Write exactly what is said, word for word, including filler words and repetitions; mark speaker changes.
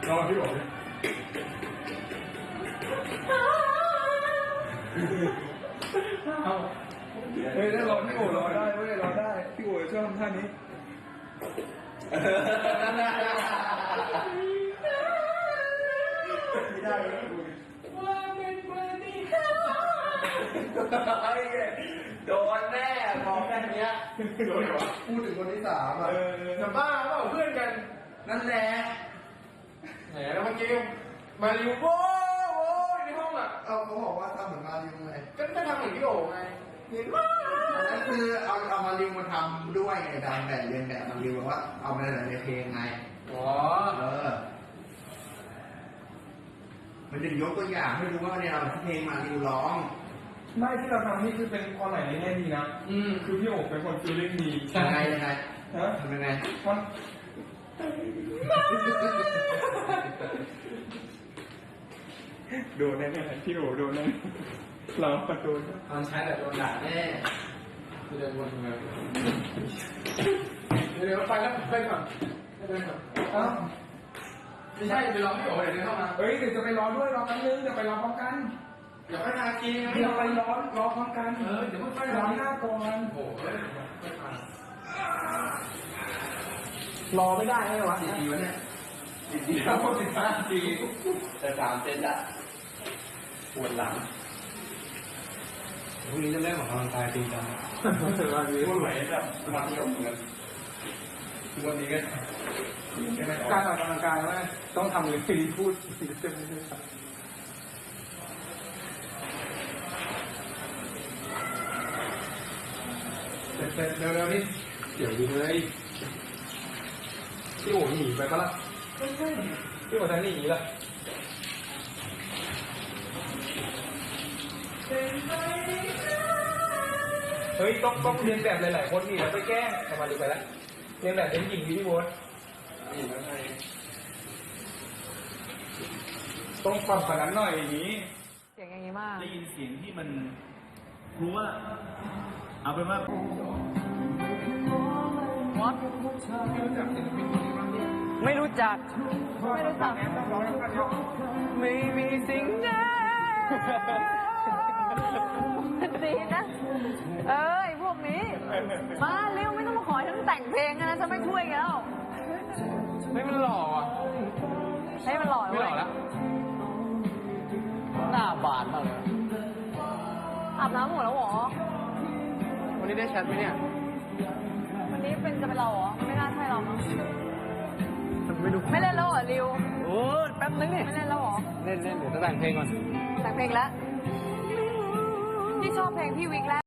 Speaker 1: รอพี่บอกเลยเอาเฮ้ยถ้ารอพี่โอ๋รอได้เว้ยรอได้พี่โอ๋ชอบทำท่านี้ไม่ได้เลยว่าเป็นวันนี้โดนแน่มองแค่นี้โดนวะพูดถึงคนที่สามอ่ะจะบ้าเปล่าเพื่อนกันนั่นแหละแหมแล้วเมื่อกี้มาริวโว้โว้ในห้องอ่ะเอาเขาบอกว่าทำเหมือนมาริวไงก็ไม่ทำเหมือนพี่โอ๋ไงเห็นว่าอันนั้นคือเอาเอามาริวมาทำด้วยไงดังแบบเรียนแบบมาริวว่าเอามาในเพลงไงอ๋อเออมันจะยกตัวอย่างให้รู้ว่าเนี่ยเราเพลงมาริวร้องไม่ที่เราทำนี่คือเป็นความหมายในแง่ดีนะอืมคือพี่โอ๋เป็นคนฟีลลิ่งดียังไงยังไงฮะทำยังไงมันโดนแน่ๆพี่โอ๋โดนแน่เราโดนตอนใช้แบบโดนด่าแน่คือจะวนมาเดี๋ยวไปแล้วไปก่อนไปก่อนอ้าวไม่ใช่ไปรอพี่โอ๋เดี๋ยวเข้ามาเฮ้ยเดี๋ยวจะไปรอด้วยรอกันนึงเดี๋ยวไปรอพร้อมกันเดี๋ยวไปทากีเดี๋ยวไปรอรอพร้อมกันเออเดี๋ยวไปรอหน้าก่อนโอ้โหรอไม่ได้ไงวะสี่ปีวะเนี่ยสี่ปีแล้วสิบห้าปีแต่สามเซนอะปวดหลังพรุ่งนี้จะเล่นของกำลังกายจริงจังวันนี้วันไหนแบบวันที่ออกเหมือนกันวันนี้ก็การออกกำลังกายว่าต้องทำเลยที่พูดเต็มเลยเร็วเร็วนี่เดี๋ยวดีเลยพี่โอ๋หนีไปปะล่ะพี่โอ๋จะหนีล่ะเฮ้ยต้องต้องเรียนแบบหลายๆคนนี่แล้วไปแกล้งทำมาดูไปแล้วเรียนแบบเป็นหญิงพี่โบ๊ทต้องความขนาดหน่อยอย่างนี้
Speaker 2: เสียงอย่างนี้มาก
Speaker 3: ได้ยินเสียงที่มันรู้ว่าเอาเป็นว่า
Speaker 2: ไม่รู้จักไม่รู้จักไม่มีสิ่งใดดีนะเอ้ยพวกนี้มาเร็วไม่ต้องมาขอฉันแต่งเพลงนะฉันไม่ช่วยแกแล้ว
Speaker 1: ไม่มันหล่ออ่ะ
Speaker 2: ให้มันหล่อ
Speaker 1: ไม่หล่อแล้ว
Speaker 3: หน้าบานมากเลย
Speaker 2: อาบน้ำหมดแล้วหรอ
Speaker 1: วันนี้ได้แชทไหมเนี่ย
Speaker 2: วันนี้เป็นจะเป็นเราเหรอไม่น่าใช่เรามั้งไม่ดูไม่เล่นแล้วเหรอริว
Speaker 3: โอ้แป๊บนึงนี่
Speaker 2: ไม่เล่นแล้วเหรอ
Speaker 3: เล่นเล่นเดี๋ยวจะแต่งเพลงก่อน
Speaker 2: แต่งเพลงแล้วที่ชอบเพลงพี่วิกแล้ว